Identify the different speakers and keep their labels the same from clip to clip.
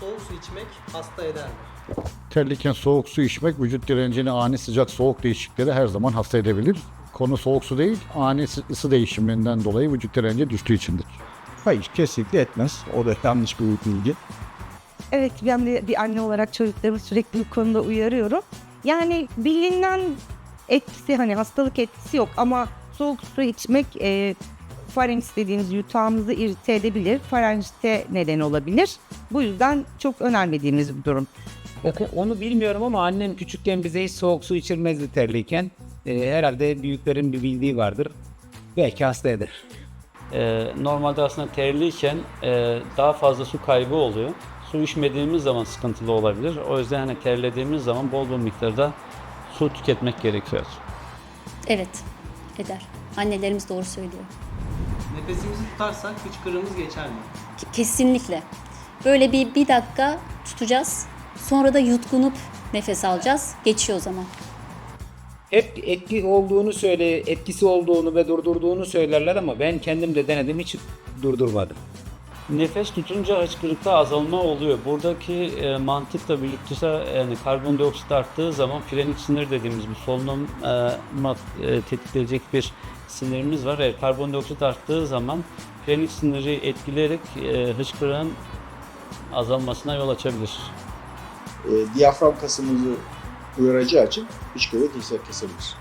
Speaker 1: soğuk su içmek hasta eder mi?
Speaker 2: Terliyken soğuk su içmek vücut direncini ani sıcak soğuk değişiklikleri her zaman hasta edebilir. Konu soğuk su değil, ani ısı değişiminden dolayı vücut direnci düştüğü içindir.
Speaker 3: Hayır, kesinlikle etmez. O da yanlış bir bilgi.
Speaker 4: Evet, ben de bir anne olarak çocuklarımı sürekli bu konuda uyarıyorum. Yani bilinen etkisi, hani hastalık etkisi yok ama soğuk su içmek farenks dediğimiz yutağımızı irite edebilir. Farenjite neden olabilir. Bu yüzden çok önermediğimiz bir durum.
Speaker 5: Onu bilmiyorum ama annem küçükken bize hiç soğuk su içirmezdi terliyken. Herhalde büyüklerin bir bildiği vardır. Belki hasta eder.
Speaker 6: Normalde aslında terliyken daha fazla su kaybı oluyor. Su içmediğimiz zaman sıkıntılı olabilir. O yüzden hani terlediğimiz zaman bol bol miktarda su tüketmek gerekiyor.
Speaker 7: Evet, eder. Annelerimiz doğru söylüyor.
Speaker 1: Nefesimizi tutarsak hıçkırığımız geçer mi?
Speaker 7: Kesinlikle. Böyle bir dakika tutacağız. Sonra da yutkunup nefes alacağız. Geçiyor o zaman.
Speaker 5: Hep etkisi olduğunu ve durdurduğunu söylerler ama ben kendim de denedim, hiç durdurmadım.
Speaker 6: Nefes tutunca hıçkırıkta azalma oluyor. Buradaki mantıkla birlikte yani karbondioksit arttığı zaman frenik sinir dediğimiz bir solunum tetikleyecek bir sinirimiz var. Karbondioksit arttığı zaman frenik siniri etkileyerek hıçkırığın azalmasına yol açabilir.
Speaker 8: Diyafram kasımızı uyaracağı için hıçkırığı kesebilir.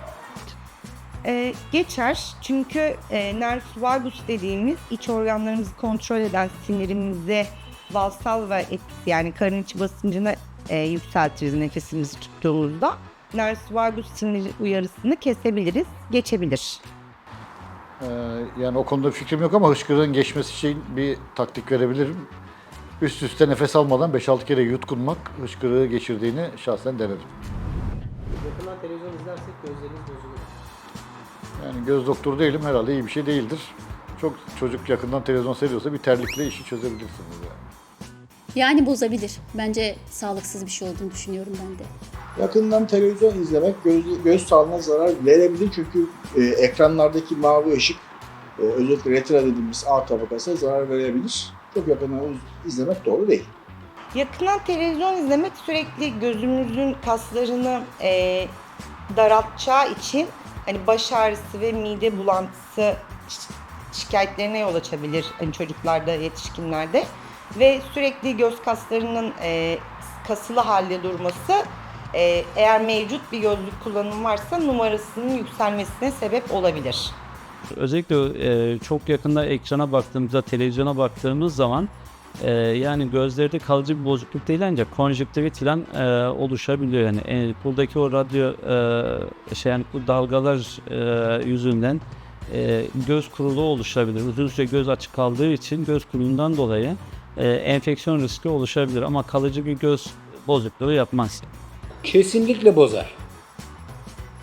Speaker 4: Geçer çünkü nervus vagus dediğimiz iç organlarımızı kontrol eden sinirimize valsalva etkisi, yani karın içi basıncını yükseltiriz nefesimizi tuttuğumuzda. Nervus vagus sinir uyarısını kesebiliriz, geçebilir.
Speaker 2: Yani o konuda fikrim yok ama hıçkırığın geçmesi için bir taktik verebilirim. Üst üste nefes almadan 5-6 kere yutkunmak hıçkırığı geçirdiğini şahsen denedim.
Speaker 1: Yakından televizyon izlersek gözlerimiz bozulur.
Speaker 2: Yani göz doktoru değilim, herhalde iyi bir şey değildir. Çok çocuk yakından televizyon seyrediyorsa bir terlikle işi çözebilirsiniz yani.
Speaker 7: Yani bozabilir. Bence sağlıksız bir şey olduğunu düşünüyorum ben de.
Speaker 8: Yakından televizyon izlemek göz sağlığına zarar verebilir çünkü ekranlardaki mavi ışık özellikle retina dediğimiz A tabakasına zarar verebilir. Çok yakından izlemek doğru değil.
Speaker 4: Yakından televizyon izlemek sürekli gözümüzün kaslarını daraltacağı için hani baş ağrısı ve mide bulantısı şikayetlerine yol açabilir hani çocuklarda, yetişkinlerde. Ve sürekli göz kaslarının kasılı halde durması eğer mevcut bir gözlük kullanımı varsa numarasının yükselmesine sebep olabilir.
Speaker 6: Özellikle çok yakında ekrana baktığımızda, televizyona baktığımız zaman yani gözlerde kalıcı bir bozukluk değil ancak konjüktivit falan oluşabiliyor. Yani buradaki o radyo yani bu dalgalar yüzünden göz kuruluğu oluşabilir. Uzun süre göz açık kaldığı için göz kuruluğundan dolayı enfeksiyon riski oluşabilir ama kalıcı bir göz bozukluğu yapmaz.
Speaker 5: Kesinlikle bozar.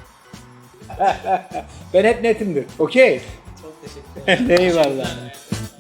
Speaker 5: Ben hep netimdir. Okey.
Speaker 1: Çok teşekkür ederim.
Speaker 5: Eyvallah.